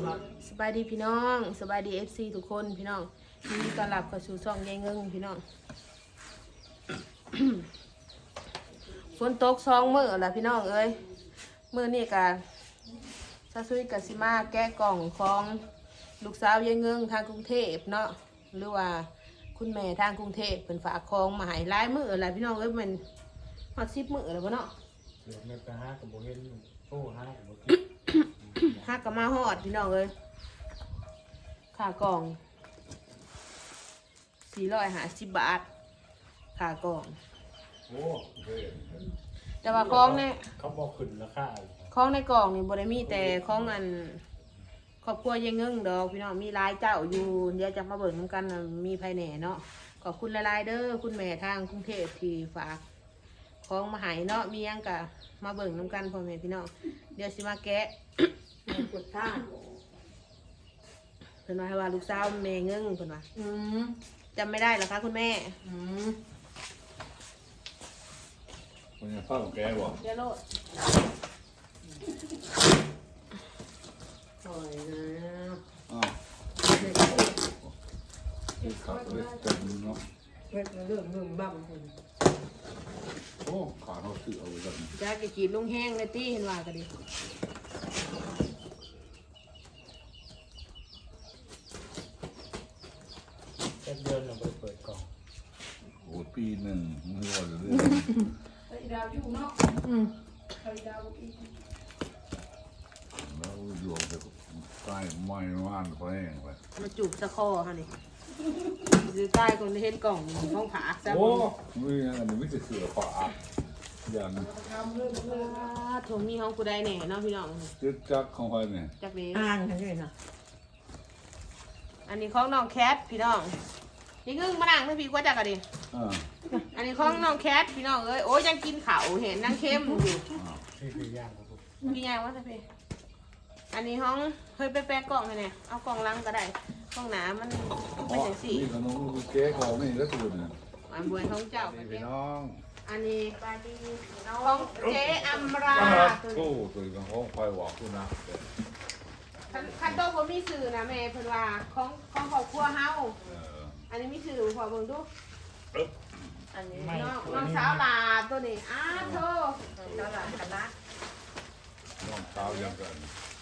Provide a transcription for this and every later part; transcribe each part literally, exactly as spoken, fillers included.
สบายดีพี่น้องสบายดีเอฟซีทุกคนพี่น้องยินดีต้อนรับเข้าสู่ช่องยายเงิงพี่น้อง ฝนตกสองมื้อละพี่น้องเอ้ยมื้อนี้กะซาซุยกะสิมาแก้กล่องของลูกสาวยายเงิงทางกรุงเทพเนาะหรือว่าคุณแม่ทางกรุงเทพเป็นฝากของมาให้หลายมื้อละพี่น้องเอ้ยมันฮอดสิบมื้อแล้วบ่เนาะเสือเนื้อตาห้ากับโบเห็นโอ้ห้ากับโบกินฮักก็มาฮอดพี่น้องเอ้ยค่ากล่องสี่ร้อยห้าสิบบาทค่ากล่องโอ้เห็นแต่ว่าของในเขาบอกขึ้นราคาของในกล่องนี่บ่ได้มีแต่ของอันครอบครัวยายเงิงดอกพี่น้องมีหลายเจ้าอยู่เดี๋ยวจะมาเบิ่งนำกันน่ะมีภายในเนาะขอบคุณหลายๆเด้อคุณแม่ทางกรุงเทพที่ฝากของมาให้เนาะมีหยังก็มาเบิ่งนำกันพ่อแม่พี่น้องเดี๋ยวสิมาแกะกดท่าเพิ่นว่าให้ว่าลูกสาวแม่เงิงเพิ่นว่าอืมจำไม่ได้เหรอคะคุณแม่อืมมันจะเข้ากับแกบอกเดี๋ยวโลดปล่อยนะอ้าวเด็กขับเลยเต็มเนาะเด็กเรื่องเรื่องบ้าคนโอ้ขาเขาสื่อเอาไว้กันจ้าก็จีบลงแห้งเลยตี้เห็นว่าก็ดีแค่เดือนเราไปเปิดกล่องโอ้ปีหนึ่งไม่ว่าจะเรื่องอืมแล้วอยู่จะใต้ไม้ว่านไปแห้งไปมาจูบตะคอค่ะนี่อยู่ใต้คนที่เห็นกล่องห้องผาซะโอ้ไม่อันนี้ไม่จะเสือป่ายันถงนี้ห้องกูได้แหน่เนาะพี่น้องจึ๊กจักของใครเนี่ยจากนี้อ่านกันด้วยนะอันนี้ของน้องแคทพี่น้องนี่งึ่งมานั่งไม่พี่กว่าจักกันดิอ่าอันนี้ของน้องแคทพี่น้องเอ้ยโอ้ยยังกินข้าวเห็นนั่งเข้มอยู่ที่คือย่างครับผมพี่ยายว่าจะพี่อันนี้ห้องเฮ้ยไปแปะกล่องให้เนี่ยเอากล่องลังก็ได้กล่องหนามันไม่ใช่สีนี่ขนมเก๊กของนี่แล้วตัวเนี่ยอันบวยของเจ้านี่พี่น้องอันนี้ปาดีของเจ๊อัมราตัวโอ้นี้ตัวของของไฟหวอกคุณนะคันคันโตผมมีสื่อนะแม่เพิ่นว่าของของครอบครัวเฮาเอออันนี้มีสื่อพอเบิ่งดูอันนี้ไม่น้องตัวน้องนี้สาวลาตัวนี้อ้าโธ่ตลาดคณะน้องสาวยังกัน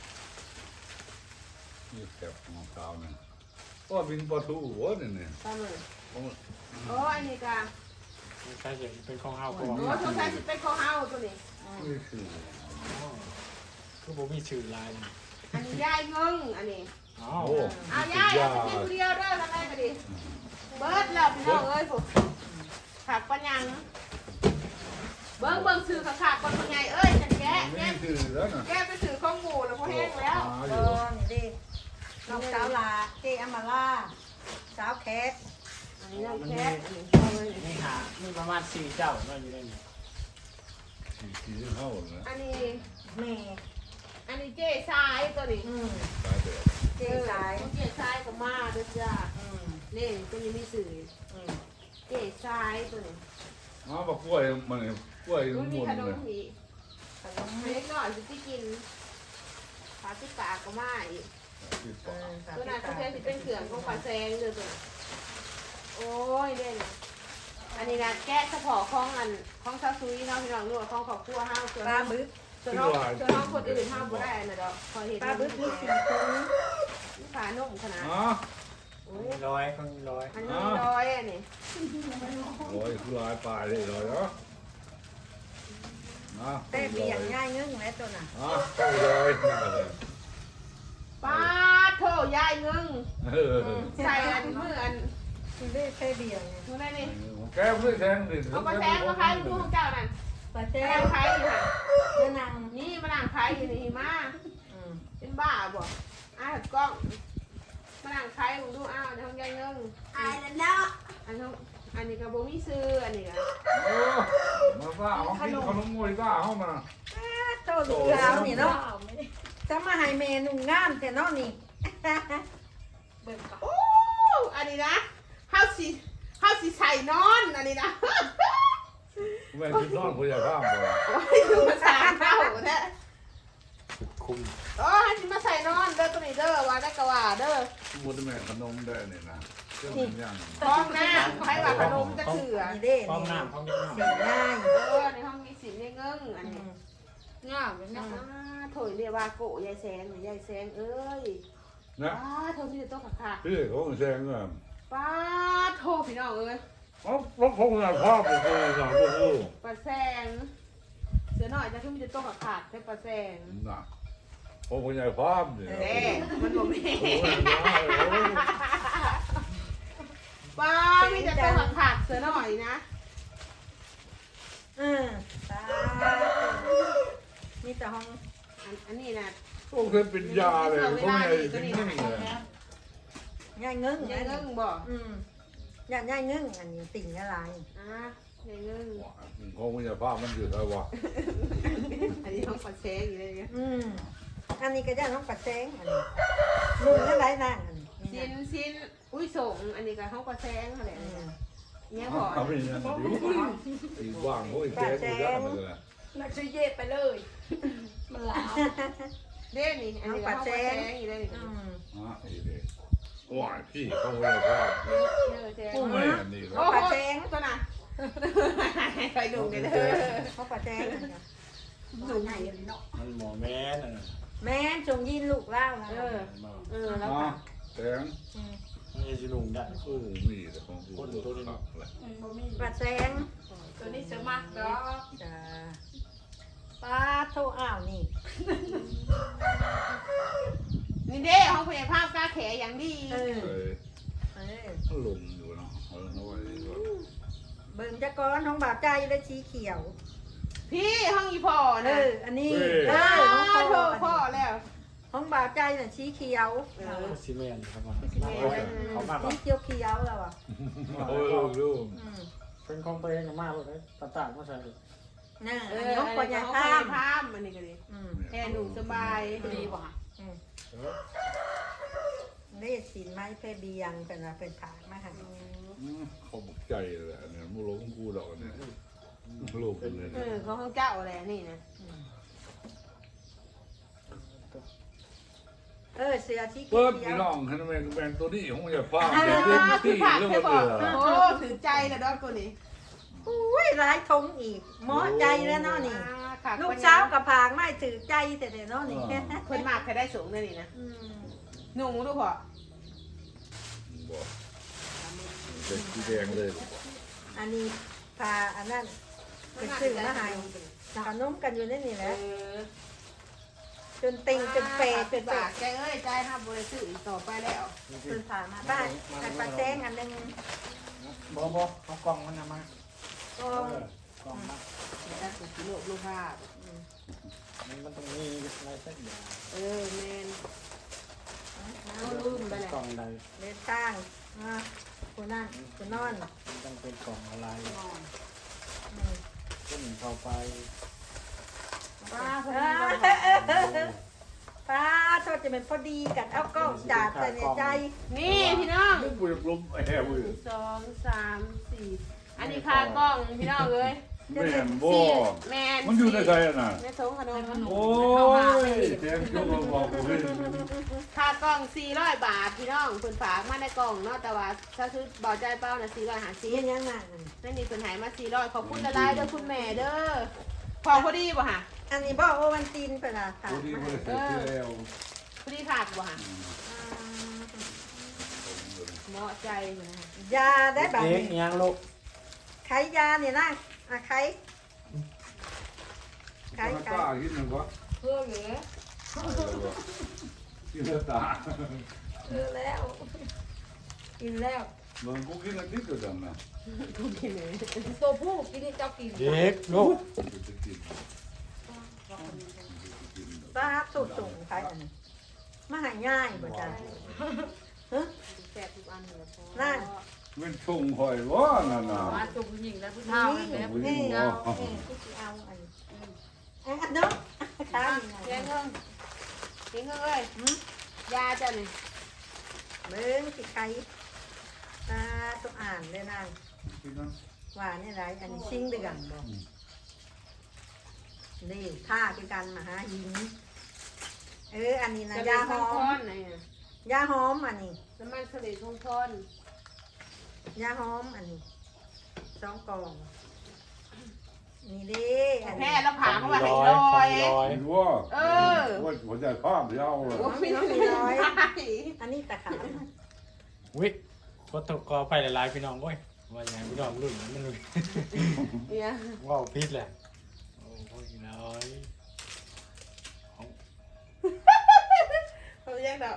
นี่แคบน้องสาวเนี่ยก็บินปลาทูหัวเนี่ยเนี่ยตามเลยโอ้โอ้อันนี้ก็ใช่เห็นเป็นของเฮาก่อนโอ้สงสัยสิเป็นของเฮาตัวนี้นี่คือคือผมมีชื่อลายอันนี้ยายเงิงอันนี้อ๋อโอ้เอายายเอาไปกินคนเดียวเด้อทำไมก็ดีเบิดแล้วพี่น้องเอ้ยผมขาดปัญญังเบิ่งเบิ่งสื่อขาขาดก่อนเป็นไงเอ้ยจันแกะไม่แกะคือแล้วนะแกะไปสื่อข้องหมูแล้วพอแห้งแล้วเออนี่ดิน้องสาวลาเจอามาล่าสาวแคทอันนี้น้องแคทอันนี้นี่หามีประมาณสี่เจ้าก็อยู่ในนี้สี่สี่เท่าเลยอันนี้แม่อันนี้เจ๊ทรายตัวนี้อืมตายแบบเจสายเจ๊ทรายก็มาด้วยจ้าอืมนี่ตัวนี้มีสื่ออืมเจ๊ทรายตัวนี้อ๋อบักกล้วยมันกล้วยมันหมีมุนขนเลมยผีขนมเล็กหน่อยสิที่กินปลาติกาก็มาอีกที่เอปากอสาวตัวนั้นที่เขาตาใช้สิเป็นเขื่อนของปลาแซงเลยตัวนั้นโอ้ยเด่นอันนี้นะแกะเฉพาะของอันของซาซุยเนาะพี่น้องรู้ว่าของครอบครัวเฮาส่วนปลาบึกส่วนน้องส่วนน้องคนอื่นเฮาบ่ได้อันน่ะดอกพอเห็นปลาบึกมีสี่คนฝานุ่มขนาดอ๋อโอ้ยร้อยคนร้อยอันนี้ร้อยอันนี้โอ้ยคือลายปลายเลยเลยเหรอนะแต่เบี่ยงง่ายเงื่งแม่ตัวน่ะอ๋อเข้าเลยนี่เลยปลาโถยายเงิงเออใส่อันมืออันคือได้แค่เบี่ยงไงมือนั่นนี่แก้มด้วยแทงดิเอาปลาแซงมาขายดูของเจ้านั่นปลาแซแจ้งขายอยู่ค่ะเจ้านางนี่มานั่งขายอยู่นี่มาอืมเป็นบ้าบ่อ้าวกล้องมานั่งขายมึงดูอ้าวในห้องยายเงิงอายแล้วเนาะอันนี้อันนี้ก็บ่มีซื้ออันนี้ก็โอ้มาซ่าเขากินขนมมวยซ่าเข้ามาโตลูกสาวนี่เนาะจะมาให้เมนูงามแต่เนาะนี่ เบิ่งก่อนโอ้อันนี้นะเฮาสิเฮาสิใส่นอนอันนี้นะแม่กินนอนผู้ใหญ่ข้ามเลยโอ้ยดูมาสามเท่าแท้คุ้มโอ้ให้สิมาใส่นอนเด้อตัวนี้เด้อเด้อมุดแม่ขนมได้เนี่ยนะเจ้ามันย่างห้องน้ำให้ว่าขนมจะเถื่อนี่เด้ห้องนี่น้ำห้องเด็กสีน้ำง่ายเออในห้องมีสินเงึ้งอันนี้ง่ายเป็นนะโถยเรียกว่าโกยายแสงหรือยายแสงเอ้ยนะป้าโทรพี่จะต้องขาขาดพี่เขาแซงอ่ะป้าโทรพี่น้องเอ้ยเขารถพงษ์ภาพไปเลยสามลูกป้าแสงเสือหน่อยจะขึ้นพี่จะต้องขาขาดให้ป้าแสงน่ะพงษ์ใหญ่ภาพเนี่ยแน่มันบอกแม่โอ้ยน้อยโอ้ยป้าพี่จะต้องขาขาดเสือหน่อยนะเออตามีแต่ห้องอันอันนี้นะพวกเคยเป็นยาเลยพวกใหญ่จริงๆเลยง่ายเงึ้งยายเงึ้งบอกอืมย่าง่ายเงึ้งอันนี้ติ่งอะไรอ่ะยายเงึ้งพงษ์ใหญ่ภาพมันอยู่แล้ววะอันนี้ต้องป้าแสงอยู่เลยเนี่ยอืมอันนี้ก็ย่าน้องปัดแซงอันนี้ลุงอะไรนั่งอันนี้ชิ้นชิ้นอุ้ยส่งอันนี้ก็เขาป้าแสงอะไรอืมเนี่ยพอเขาเป็นยังไงอีกว่างโอ้ยแจ๊กกูได้เลยนักซื้อเย็บไปเลย มันลาวเด้นี่อันนี้ก็เขาป้าแสงอยู่เลยอืมอ่ะอีเด็กว้ายพี่เขาเลยภาพเยอะแสงแม่นี่โอ้โหตัวน่ะไปดูกันเลยเขาปัดแซงอันนี้สูงใหญ่เลยเนาะมันหมอแม่น่ะแม่นจงยินลูกเล่านะเออ เออแล้วอ่ะค่ะแสงอืมมันจะลุงได้โอ้มีแต่ของกูตัวนี้เลยอืมบ่มีปัดแซงตัวนี้เสือมากดอกจ้าป้าโทรอ้าวนี่นี่เด้ห้องพยาภาพกล้าแขอย่างดีเออเอ้ยเออลงอยู่เนาะเออเอาไว้ดีกว่าเบิ่งจะก้อนท้องบาปใจและชีเขียวพี่ห้องอีพ่อเอนะอ อันนี้เอเอออท้องพ่พ่ออพ่อแล้วท้องบาปใจน่ะชีเขียวเออซีเมนต์ครับมาเขามาเขามาชีเขียวเขียวแล้วอ่ะโอ้ยลูกอืมเป็นของตัวเองมากเลยต่างๆมาใส่น่ะเออันอนี้น้องปัญญาห้องข้าพยาม ภาพมันนี่ก็ดีอืมแค่หนูสบายดีบ่ะอืมได้สินไม้เพเบียงเป็นว่าเป็นผากมาหันเขาบอกใจเลยเนี่ยมูลของกูดอกเนี่ยลูกเลยเออเขาห้องเจ้าอะไรนี่นะเออเสือชีเขีเปิดยวพี่น้องให้แม่งแบ่งตัวนี้ของอย่าพลาดเด็กเล่นที่เรื่องว่าเออโอ้ถือใจนะดอกตัวนี้อุ้ยร้ายทงอีกหมอใจแล้วเนาะนี่ค่ะลูกสาวกับผากไม่ถือใจแต่เดี๋ยวเนาะนี่คนมากใครได้สูงเลยนี่นะอืมหนูดูพอบอกเด็กสีแดงเลยอันนี้พาอันนั้นเป็นซื้อมาให้ขนมกันอยู่ในนี่แหเอละอจนติงจนเปรตจนปาปากกใจเอ้ยใจห้ามบริสุทธิ์อีกต่อไปแล้วจนผ่ามาบ้านอันปลาแจ้งอันหนึงบอบอเขากล่องมันนะมาก็กล่องมาเดี๋ยวได้สุดโลกรูปภาพมันมันต้องมีอะไรสักอย่างเออแมนเอาลืมไปแหละกล่องใดเล็ดข้างอ่ะคุณนั่นคุณนอนมันต้องเป็นกล่องอะไรอืมขึ้นเข้าไปป้าพออ่าดีป้าโทษจะเป็นพอดีกันเอากล้องจัดแต่ในใจนี่พี่น้องลูกกูจะล้มแอบเลยสองสามสี่อันนี้คากล้องพี่น้องเลยแม่นบ่แมนมันอยู่ในใจน่ะแม่ทงขนมโอ้ยแทงจุ๊บบอกกูเลยค่ากล้องสี่ร้อยบาทพี่น้องเพิ่นฝากมาในกล่องเนาะแต่ว่าถ้าซื้อเบาใจเป้าน่ะสี่ร้อยห้าสิยับงยังนั่นนั่นนี่เพิ่นใหายมาสี่ร้อยขอบคุณละลายเด้อคุณแม่เด้อพอพอดีบ่ฮะอันนี้บอกโอวันตินเป็นอะค่ะกูดีเลยเสร็จแล้วพอดีขาดบ่ฮะเหมาะใจอยู่นะฮะยาได้แบบเอ๊ะนี้ยังลูกไขยาเนี่ยนะอ่ะไขไขตาไขตาคิดหนึ่งวะเพื่อเหลือคิดตาเพื่อแล้วกินแล้วเมืองกูกินอันนี้ก็ดังนะกูกินเลยตัวผู้กินนี่เจ้ากินเด็กลูกกูจะกินป้าสุดสูงไขอันนี้มาหายง่ายบ่จ้ะแซ่บทุกอันเลยพอนั่นเป็นชงหอยวะนั่นน่ะมาจุกหญิงแล้วผู้เฒ่าแบบนี่นี้นี่เนาะนี่ที่สิเอาอันนี้อ่ะเนาะข้าวยังไงเลี้ยงเงินเลี้ยงเงินเอ้ยยาจ้ะนี่เบิ้งสิไข่ตาต้องอ่านเลยนางกินนะว่านี่ไรอันนี้ซิ่งเดือนบ่นี่ท่าคือกันมาหาหินเอออันนี้นะจะยามีหข้าอวค้อมนไหนอ่ะยาหอมอันนี้น้ำมันสลิดทงทนยาหอมอันนี้สองกล่องนี่เด้อันแพ้นี้แล้วผ่าเข้ามาให้ร้ลอยอยร้อยเห็นว่าเออว่าหัวใจภาพยาวเลยโอ้ยไม่ร้อยอันนี้ตะขาบวิก็ตกกอไปหลายๆพี่น้องเว้ยว่าอย่างพี่น้องรุ่นมันรุ่นเนี่ยว่าพิษแหละโอ้ยร้อยเขาแยกดอก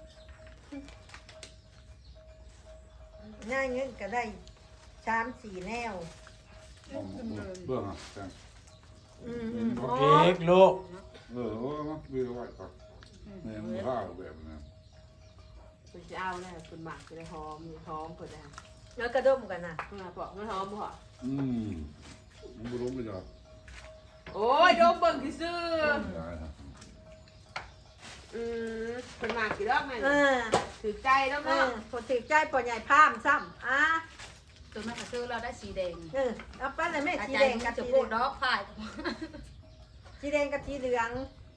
ง่ายเงินก็ได้สามสี่แนวเบื้องอ่ะแต่อืมอืมโออ๋อเคลูกเออเออเบื้องไว้ก่อนเนี่ยมันข้าวแบบนั้นคุณจะเอาเนี่ยคุณหมักจะได้หอมหอมเปิดได้แล้วกระด้มกันนะคุณบอกไม่หอมบ่อืมมันรู้ไม่ได้โอ้ยโดมเบิ่งที่ซื้อได้ฮะอืมคุณหมักกี่รอบไงเออถือใจแล้วเอเนาะอคนถือใจปอใหญ่พามซ้ำอ่ะตัวแม่ก็ซื้อเราได้สีแดงเออเอาไปเลยแม่อาสีจารแดย์งกับจะสีพูดเหดลืองอกพายสีแดงกับสีเหลือง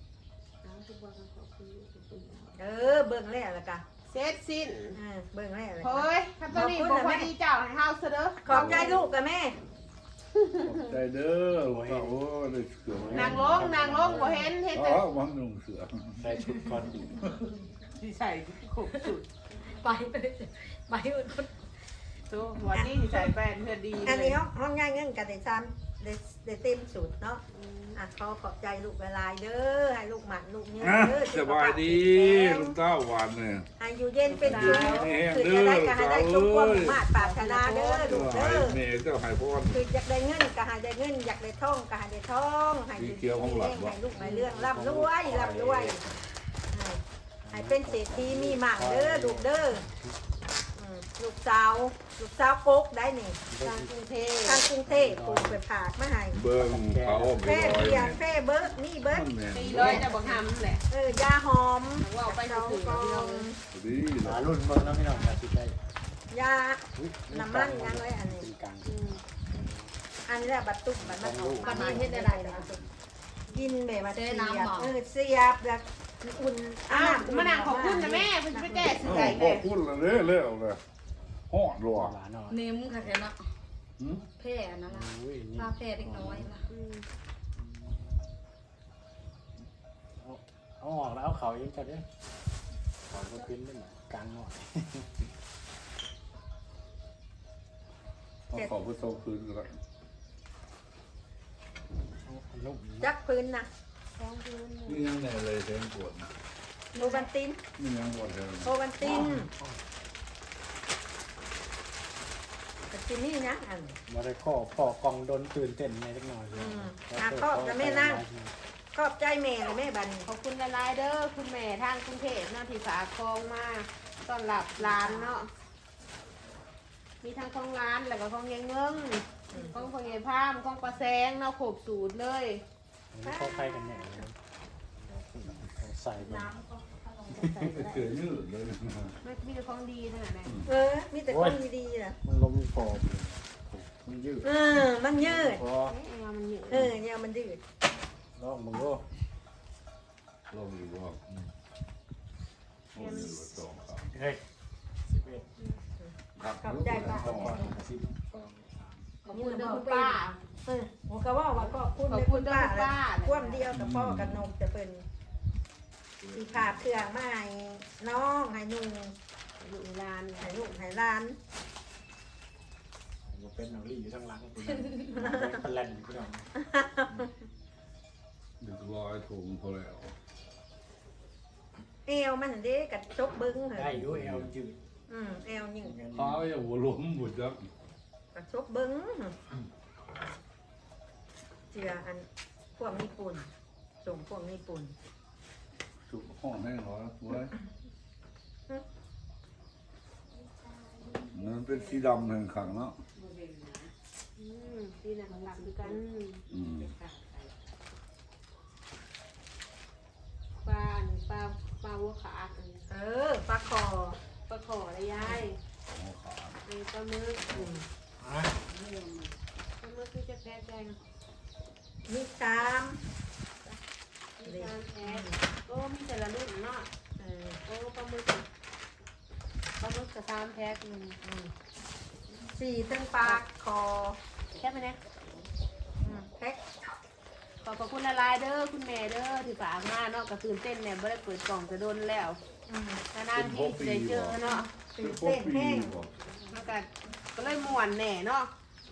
เออเบิ่งแล้วละกันเสร็จสิ้นเออเบิ่งแล้วละกันเฮ้ยถ้าตอนนี้บอกว่าดีเจ้าให้เฮาซะเด้อขอบใจลูกกับแม่ใจเด้อว่าโอ้ได้เสือนางลงนางลงบ่เห็นเห็นแต่อ๋อมันนุ่งเสือใส่ชุดก่อนสิใส่ขบสุดไปไปไปคนตัววันนี้สิใส่แป้นเพื่อดีอันนี้ห้องห้องง่ายเงินกันได้ซ้ำได้ได้เต็มสูตรเนาะอ่ะขอขอบใจลูกเวลายเด้อให้ลูกหมันลูกเนี่ยนะเด้อสบายดีลุงเต้าหวานเนี่ยให้อยู่เย็นเป็นสุขคือจะได้ก็ให้ได้ทุกความมาตรปรารถนาเด้อลูกเจ้าเด้หายอเมย์เจ้าหายพรคืออยากได้เงินก็ให้ได้เงินอยากได้ทองก็ให้ได้ทองให้อยู่ดีให้ลูกให้เรื่องร่ำรวยร่ำรวยให้เป็นเศรษฐีมีหมั่งเด้อลูกเด้อลูกสาวลูกสาวโกกได้นี่ทางกรุงเทพทางกรุงเทพปลูกไปผากมาให้เบิ้งเขาแพร่เบียร์แพร่เบิร์ดนี่เบิร์ดตีเลยจะบอกทำแหละเออยาหอมว่าไปเจ้าถือกองดีหารุ่นเบิ่งนะพี่น้องนะที่ได้ยาน้ำมันยังไว้อันนี้ตีกลางอันนี้แหละบัตรตุ้มบัตรมันออกวัมานนี้เฮ็ดได้ไรนะกินแบบว่าเสียบเจ๊น้ำเหรอเออเสียบแบบอุ่นอ้าวมานางขอบคุณนะแม่คุณจะไปแก้สื่อใหญ่ขเลอย บคุณเลยเร็วเลยหอดรัวหวานหน่อยนิ่มค่ะแค่นั้นแพ้นั่นล่ะอุ้ยนี่พาแพ้เล็กน้อยล่ะเอาออกแล้วเอาเขาเองจะได้เขาก็ขึ้นได้กลางหน่อยขอบคุณโซคืนกันลูกจักพื้นนะนี่ยังไงเลยเสียงปวดโอบันตินนี่ยังปวดเลยโอบันตินแต่ที่นี่นะอันมาได้ข้อพ่อกองโดนตื่นเต้นในเล็กน้อยเลยขอบใจแม่เลยแม่บันขอบคุณละลายเด้อคุณแม่ทางกรุงเทพเนาะที่ฝากคองมาต้อนรับร้านเนาะมีทั้งของร้านแล้วก็ของยายเงิงของของยายพามของปลาแซงเนาะขบสูตรเลยเข้าใครกันแน่ใส่ไปเกิดยืดเลยไม่มีแต่ของดีทั้งนั้นเลยเออมีแต่คนดีๆนะมันลมฟอมมันยืดเออมันยืดพอเอ๊ะมันเหนียวเออเนี่ยมันยืดลองมึงก็ลองดูว่าโอ้ยสองสามเฮ้ยสิบเอ็ดขอบใจป้าสองสิบขอบคุณเด้อคุณป้าเออผมก็ว่าว่าก็คุณขอบคุณเด้อคุณป้าคว่ำเดียวกับพ่อกับนมจะเป็นสีผาเครื่องมาให้น้องให้นุ่งอยู่ร้านให้ลูกให้ร้านมันเป็นหนังรีอยู่ข้างหลังคุณเป็นแลนด์คุณน้องเด็กร้อยถุงพอแล้วเอวมันเด้กับจกบึ้งเหรได้อยูเอลจืดอืมเอวยิ่งข้าวอย่าหัวล้มหมดจักกับจกบึ้งเจืออันพวกญี่ปุ่นส่งพวกญี่ปุ่นสุกห้องแห้งร้อยไว้มันเป็นสีดำแห่งขังเนาะอืมที่นั่นหลักด้วยกันอืมปลาอันปลาปลาวัวขาอันเออปลาคอปลาขอระยายหัวขาดอันปลาหมึกอืมอ่ะปลาหมึกที่จะแพ้แจงมีสามมีการแพ้ก็มีแต่ละรุ่นเนาะเออโอ้ปลาหมึกสามแพ็คหนึ่งสี่เส้นปลาคอแค่ไปเนี่ยอืมแพ็คขอบพระคุณละลายเด้อคุณแม่เด้อที่ฝากมาเนาะก็ตื่นเต้นเนี่ยไม่ได้เปิดกล่องจะโดนแล้วอืมนานๆที่ได้เจอเนาะตื่นเต้นแห้งแล้วก็ก็เลยม่วนแหน่เนาะ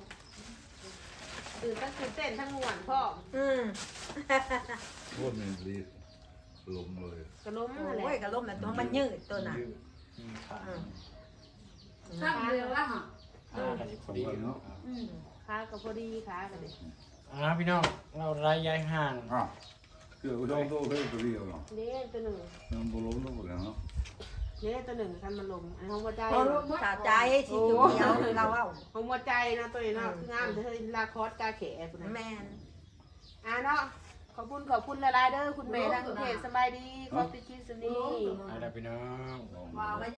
ตื่นตั้งตื่นเต้นทั้งม่วนพ่ออืมโคตรเมนลีลมเลยกระล้มอะไรโอ้ยกระลมแต่ตัวมันยืดตัวน่ะอืมขาอืมช่างเรือละค่ะอ่ากันพอดีเนาะอืมขากับพอดีขากันเลยอ่าพี่น้องเราไล่ย้ายห่างอ่ะเกี่ยวกับโซ่เฮ้ยตัวเดียวเนาะเด้ตัวหนึ่งมันบล้มแล้วหมดแล้วเนาะเด้ตัวหนึ่งคันมันลมอันของหัวใจสาใจสีเขียวเราเอาของหัวใจนะตัวนี้เนาะคืองามเธอลาคอสกาแขกนะแมนอ่าเนาะขอบคุณขอบคุณละลายเด้อคุณแม่ทางกรุงเทพสบายดีขอบติดชีสนี้อะไรพี่น้องว่าไว้